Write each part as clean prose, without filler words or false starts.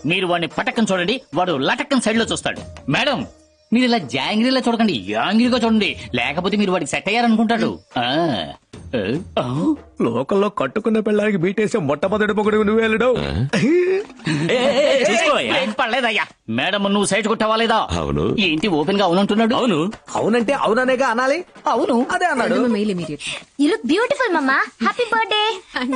మీరు వాడిని పటక్కని చూడండి, వాడు లటక్కన్ సైడ్ లో చూస్తాడు. మేడం, మీరు ఇలా జాంగ్రీలా చూడకండి, యాంగ్రీగా చూడండి, లేకపోతే మీరు వాడికి సెట్ అయ్యారనుకుంటాడు. లోకల్లో కట్టుకున్న పిల్లలకి బీటేసే మొట్టమొదటి పొగడు నువ్వు వెళ్ళడు. పడలేదయ్యా. మేడం, నువ్వు సైడ్ కొట్టావా లేదా? అవును. ఏంటి ఓపెన్ గా అవునంటున్నాడు? అవును. అవునంటే అవుననేగా అనాలి. అవును అదే అన్నాడు. You look beautiful mamma. Happy birthday.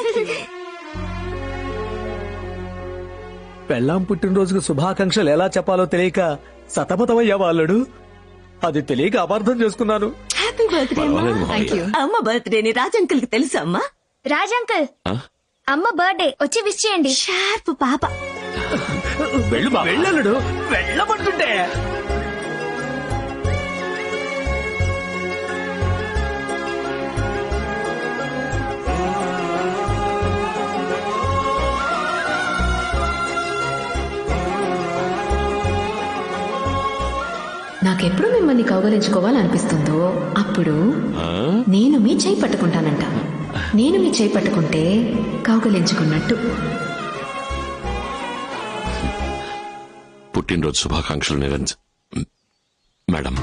పెళ్ళాం పుట్టినరోజుకు శుభాకాంక్షలు ఎలా చెప్పాలో తెలియక సతమతమయ్యా వాళ్ళడు. అది తెలియక అపార్థం చేసుకున్నాను. హ్యాపీ బర్త్డే అమ్మ. బర్త్డేని రాజంకుల్ కి తెలుసా అమ్మా? రాజ్ అంకుల్, అమ్మ బర్త్డే వచ్చి విష్ చేయండి. షార్ప్ పాప. వెళ్ళడు వెళ్ళబడుతుంటే నాకెప్పుడు మిమ్మల్ని కౌగలించుకోవాలనిపిస్తుందో అప్పుడు నేను మీ చేయి పట్టుకుంటానంట. నేను మీ చేయి పట్టుకుంటే కౌగలించుకున్నట్టు. పుట్టినరోజు శుభాకాంక్షలు Niranjan madam.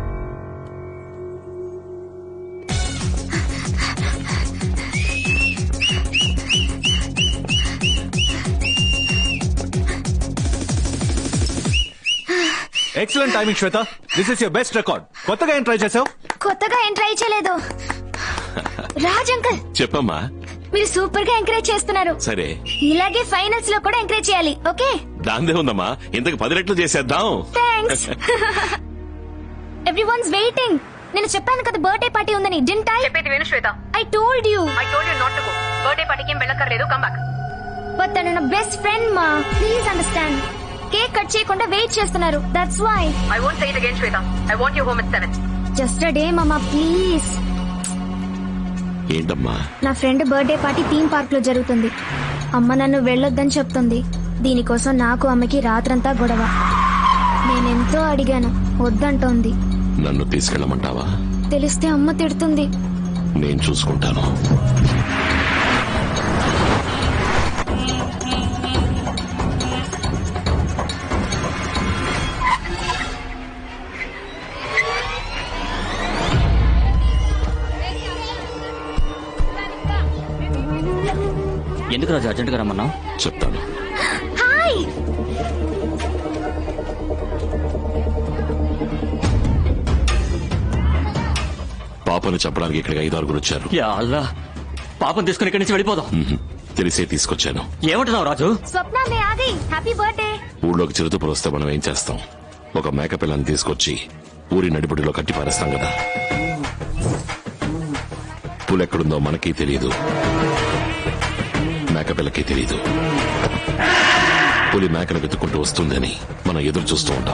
Excellent timing Swetha. This is your best record. కొత్తగా ఏం ట్రై చేసావు? కొత్తగా ఏం ట్రై చేయలేదు. రాజ్ అంకుల్, చెప్పమ్మా. మీరు సూపర్ గా ఎంకరేజ్ చేస్తున్నారు. సరే, ఇలాగే ఫైనల్స్ లో కూడా ఎంకరేజ్ చేయాలి. ఓకే? దాందే ఉందమ్మా, ఇంతకు 10 రెట్లు చేసేద్దాం. థ్యాంక్స్. Everyone's waiting. నేను చెప్పాను కదా బర్త్డే పార్టీ ఉందని. Didn't I? చెప్పేది విను Swetha. I told you not to go. Birthday పార్టీకి ఏం వెళ్ళక్కర్లేదు. Come back. బట్ తను నా బెస్ట్ ఫ్రెండ్ మా. Please understand. కేక్ కట్ చేయకుండా వెయిట్ చేస్తున్నారు. That's why. I won't say it again Swetha. I want you home at 7. Just a day mama, please. ఏంటమ్మా? నా friend birthday party theme park లో జరుగుతుంది. అమ్మ నన్ను వెళ్ళొద్దని చెప్తుంది. దీనికోసం నాకు అమ్మకి రాత్రంతా గొడవ. నేనెంతో అడిగాను, వద్దంటోంది. నన్ను తీసుకెళ్ళమంటావా? తెలిస్తే అమ్మ తిడుతుంది. నేను చూసుకుంటాను. ఎందుకు రాజు అర్జెంట్ గా రమ్మన్నావు? చెప్తాను. హాయ్. పాపను చెప్పడానికి ఇక్కడికి 5-6 వచ్చారు. యా అల్లా, పాపం తీసుకుని ఇక్కడి నుంచి వెళ్ళిపోదాం. తెలిసే తీసుకొచ్చాను. ఏమంటున్నావు రాజు? స్వప్న మే ఆ గయి. Happy birthday. ఊళ్ళోకి చిరుతపులు వస్తే మనం ఏం చేస్తాం? ఒక మేక పిల్లని తీసుకొచ్చి ఊరి నడిబడిలో కట్టి పారేస్తాం కదా. పులెక్కడుందో మనకి తెలియదు, మేకపిల్లకి తెలియదు. పులి మేకను వెతుక్కుంటూ వస్తుందని మనం ఎదురు చూస్తూ ఉంటాం.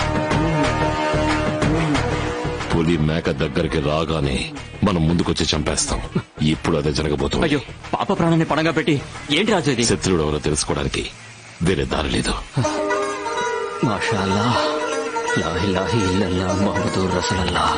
పులి మేక దగ్గరికి రాగానే మనం ముందుకొచ్చి చంపేస్తాం. ఇప్పుడు అదే జరగబోతుంది. అయ్యో, పాప ప్రాణాన్ని పణంగా పెట్టి ఏంటి రాజు ఇది? శత్రుడు ఎవరో తెలుసుకోవడానికి వేరే దారి లేదు. మాషాఅల్లా, లా ఇలాహ ఇల్లల్లాహ్ ముహమ్మదుర్ రసూలుల్లాహ్.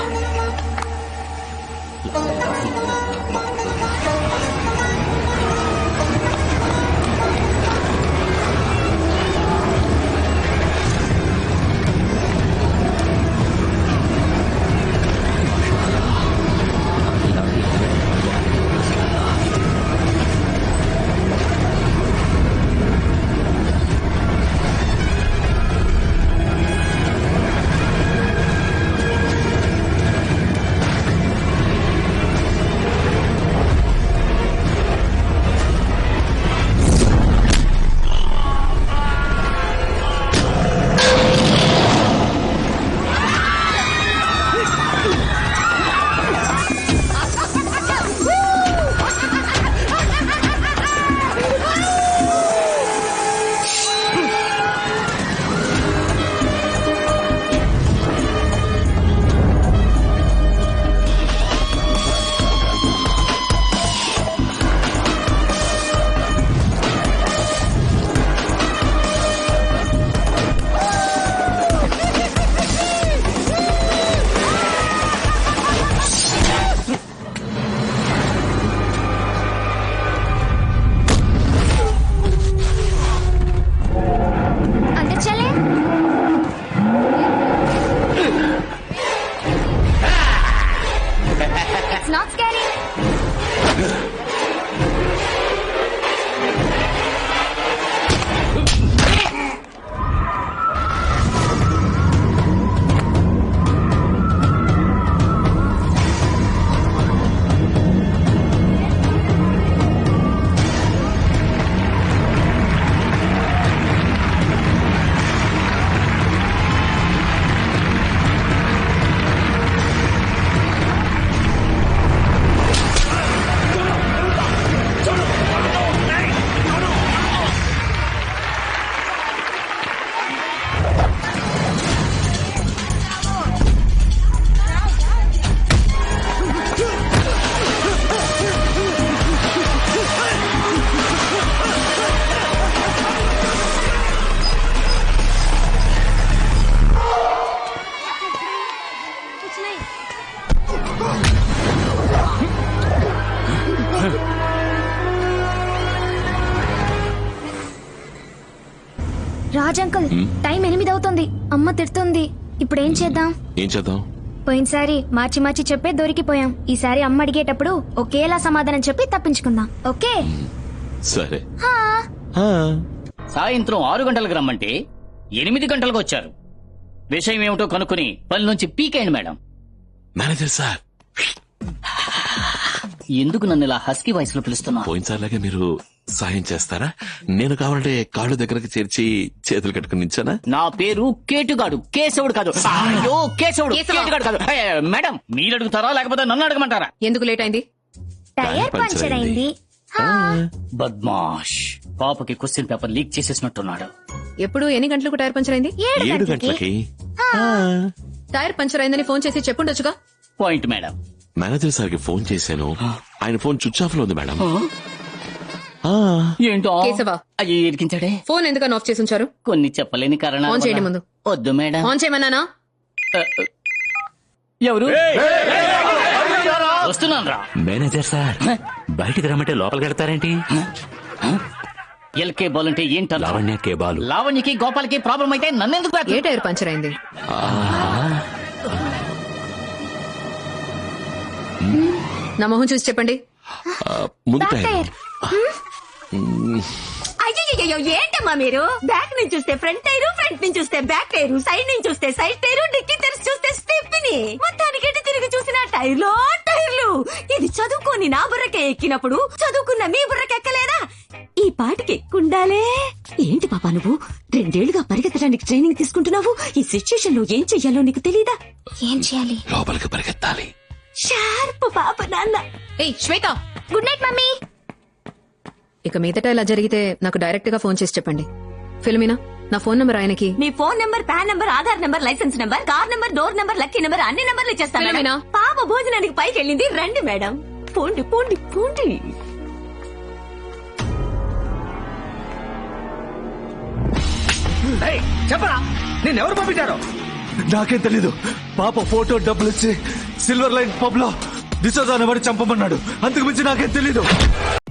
That's not scary. Raj uncle, time 8 అవుతుంది. అమ్మ తిడుతుంది. ఇప్పుడు ఏం చేద్దాం? ఏం చేద్దాం? పోయినసారి మార్చి మార్చి చెప్పే దొరికిపోయాం. ఈసారి అమ్మ అడిగేటప్పుడు ఒకేలా సమాధానం చెప్పి తప్పించుకుందాం. ఓకే? సరే. సాయంత్రం 6 గంటలకు రమ్మంటే 8 గంటలకు వచ్చారు. విషయం ఏమిటో కనుక్కుని పని నుంచి పీకేయండి మేడం. మేనేజర్ సార్, ఎందుకు నన్ను ఇలా హస్కీ వాయిస్ లో పిలుస్తున్నా? పోయినసారిలాగే మీరు సాయం చేస్తారా? నేను కావాలంటే కాళ్ళు దగ్గరకు చేర్చి చేతులు కట్టుకుని నించానా? నా పేరు కేటుగాడు, కేశవుడు కాదు. అయ్యో కేశవుడు, కేటుగాడు కాదు. మేడం మీరు అడుగుతారా లేకపోతే నన్ను అడగమంటారా? ఎందుకు లేట్ అయింది? టైర్ పంచర్ అయింది. బద్మాష్, పాపకి క్వశ్చన్ పేపర్ లీక్ చేసేసినట్టున్నాడు. ఎప్పుడు ఎన్ని గంటలకు టైర్ పంచర్ అయింది? 7 గంటలకి. టైర్ పంచర్ అయిందని ఫోన్ చేసి చెప్పుండొచ్చుగా. Point madam. మేనేజర్ సార్కి ఫోన్ చేశాను, ఆయన ఫోన్ స్విచ్ ఆఫ్ లో ఉంది మేడం. ఏంటో కేశవా, అయ్యో ఇరికించాడే. ఫోన్ ఎందుకని ఆఫ్ చేసి ఉంచారు? కొన్ని చెప్పలేని కారణాలు ఆన్ చేయండి వల్ల. ముందు. వద్దు మేడం. ఆన్ చేయమన్నానా? ఎవరు? వస్తున్నాను రా. మేనేజర్ సార్, బయటికి రమ్మంటే లోపలికి వెళ్తారేంటి? ఎల్కే బాల్ అంటే ఏంట? లావణ్య కే బాలు. లావణ్యకి గోపాలకి ప్రాబ్లం అయితే నన్నెందుకు ఏ టైర్ పంచర్ అయింది? నా మొహం చూసి చెప్పండి. ముందు టైర్. అయ్యో ఏంటమ్మా మీరు? బ్యాక్ నుంచి చూస్తే ఫ్రంట్ టైరు, ఫ్రంట్ నుంచి చూస్తే బ్యాక్ టైరు, సైడ్ నుంచి చూస్తే సైడ్ టైరు, డిక్కీ తెరిచి చూస్తే స్టెప్ని, మొత్తానికి ఎటు తిరిగి చూసిన టైర్లో టైర్లు. ఇది చదువుకొని నా బుర్రకే ఎక్కినప్పుడు చదువుకున్న మీ బుర్రకెక్కలేదా? ఈ పాటికి ఎక్కుండాలే. ఏంటి పాపా నువ్వు 2 ఏళ్లుగా పరిగెత్తడానికి ట్రైనింగ్ తీసుకుంటున్నావు? ఈ సిచ్యుయేషన్ లో ఏం చెయ్యాలో నీకు తెలీదా? ఏం చేయాలి? లోపలికి పరిగెత్తాలి. షార్ప్ పాప నాన్న. ఏయ్ శ్వేత, గుడ్ నైట్ మమ్మీ. ఇక మీదట ఇలా జరిగితే నాకు డైరెక్ట్ గా ఫోన్ చేసి చెప్పండి. ఫిల్మినా, నా ఫోన్ నంబర్ ఆయనకి. మీ phone number, PAN number, Aadhaar number, licence number, car number, door number, lucky number, అన్ని నెంబర్లు ఇచ్చేస్తాను. ఫిల్మినా, పాప భోజనానికి పైకి వెళ్ళింది. రండి మేడం. పోండి పోండి పోండి. చెప్పరా, నేనెవరు పంపించారో? నాకేం తెలీదు. పాప ఫోటో డబ్బులు ఇచ్చి సిల్వర్ లైన్ పబ్ లో డిసోజా అనేవాడు చంపమన్నాడు. అంతకు మించి నాకేం తెలీదు.